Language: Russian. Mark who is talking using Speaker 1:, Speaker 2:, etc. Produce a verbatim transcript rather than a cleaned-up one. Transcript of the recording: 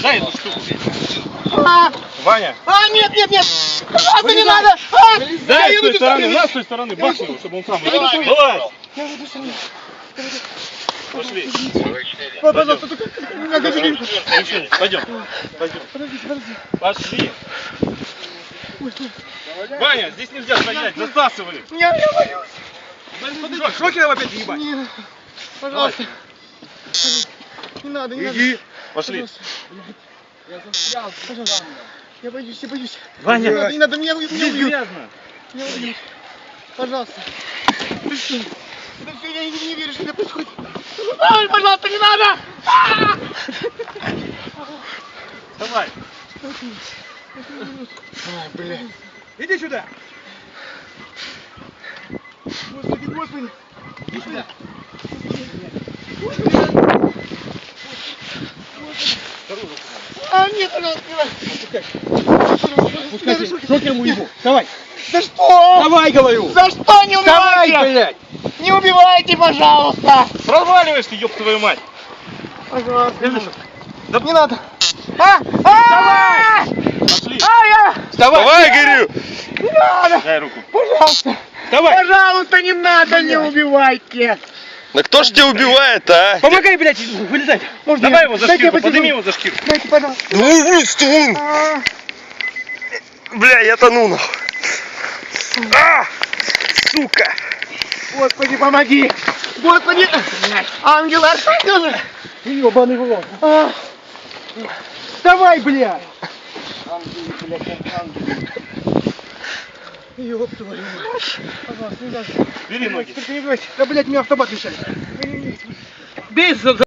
Speaker 1: дай эту штуку.
Speaker 2: А,
Speaker 1: Ваня.
Speaker 2: а, нет, нет, нет! Пожалуйста, не надо! А,
Speaker 1: Дай
Speaker 2: я
Speaker 1: с той
Speaker 2: иду
Speaker 1: стороны,
Speaker 2: сюда.
Speaker 1: на с той стороны, бахни его, чтобы он сам
Speaker 2: Давай.
Speaker 1: вылез. Давай.
Speaker 2: Я иду сюда.
Speaker 1: Пошли.
Speaker 2: Ой, пожалуйста, только не надо
Speaker 1: Пойдем.
Speaker 2: меня.
Speaker 1: Пойдем. Пойдем.
Speaker 2: Подождите, подождите.
Speaker 1: Пошли.
Speaker 2: Ой, стой.
Speaker 1: Ваня, здесь нельзя стоять, засасывай.
Speaker 2: Я, я боюсь.
Speaker 1: Шокером опять ебать.
Speaker 2: Не, пожалуйста. Не надо, не надо.
Speaker 1: Иди. Пошли.
Speaker 2: Пожалуйста. Я застрял. Пожалуйста. Я боюсь, я боюсь.
Speaker 1: Ваня.
Speaker 2: Не надо, не надо, меня, меня
Speaker 1: Здесь
Speaker 2: убьют.
Speaker 1: грязно.
Speaker 2: Меня убьют. Пожалуйста. Ты что? Да все, я не, не верю, что это происходит. Ой, пожалуйста, не надо! А!
Speaker 1: Давай.
Speaker 2: Ай, бля.
Speaker 1: Иди сюда.
Speaker 2: Господи, господи. Иди сюда. А, нет, пожалуйста, не надо.
Speaker 1: Шокером уебу. Давай.
Speaker 2: За что?
Speaker 1: Давай, говорю.
Speaker 2: За что не убивайте?
Speaker 1: Давай, блядь.
Speaker 2: Не убивайте, пожалуйста.
Speaker 1: Проваливаешь ты, ёб твою мать.
Speaker 2: Пожалуйста.
Speaker 1: Да
Speaker 2: Не надо. А! А!
Speaker 1: Пошли.
Speaker 2: А, я!
Speaker 1: Давай. Давай, говорю.
Speaker 2: Не надо.
Speaker 1: Дай руку.
Speaker 2: Пожалуйста.
Speaker 1: Давай.
Speaker 2: Пожалуйста, не надо, не убивайте.
Speaker 3: Да кто ж тебя убивает, а?
Speaker 1: Помогай, блядь, вылезать.
Speaker 2: Можно
Speaker 1: Давай
Speaker 2: я-
Speaker 1: его за
Speaker 2: дайте я
Speaker 1: шкирку,
Speaker 2: потяну.
Speaker 1: подними его за шкирку.
Speaker 2: Дайте, пожалуйста.
Speaker 3: Ну, стой!
Speaker 2: А,
Speaker 3: Бля, я тону нахуй. А! Сука!
Speaker 2: Господи, помоги. Господи. Ангелы, архангелы.
Speaker 1: Ёбаный в рот.
Speaker 2: А. Давай, блядь. Ёб твою мать. Пожалуйста, не надо.
Speaker 1: Бери ноги.
Speaker 2: Только не убивайте. Да, блядь, мне автомат мешает.
Speaker 1: Бей за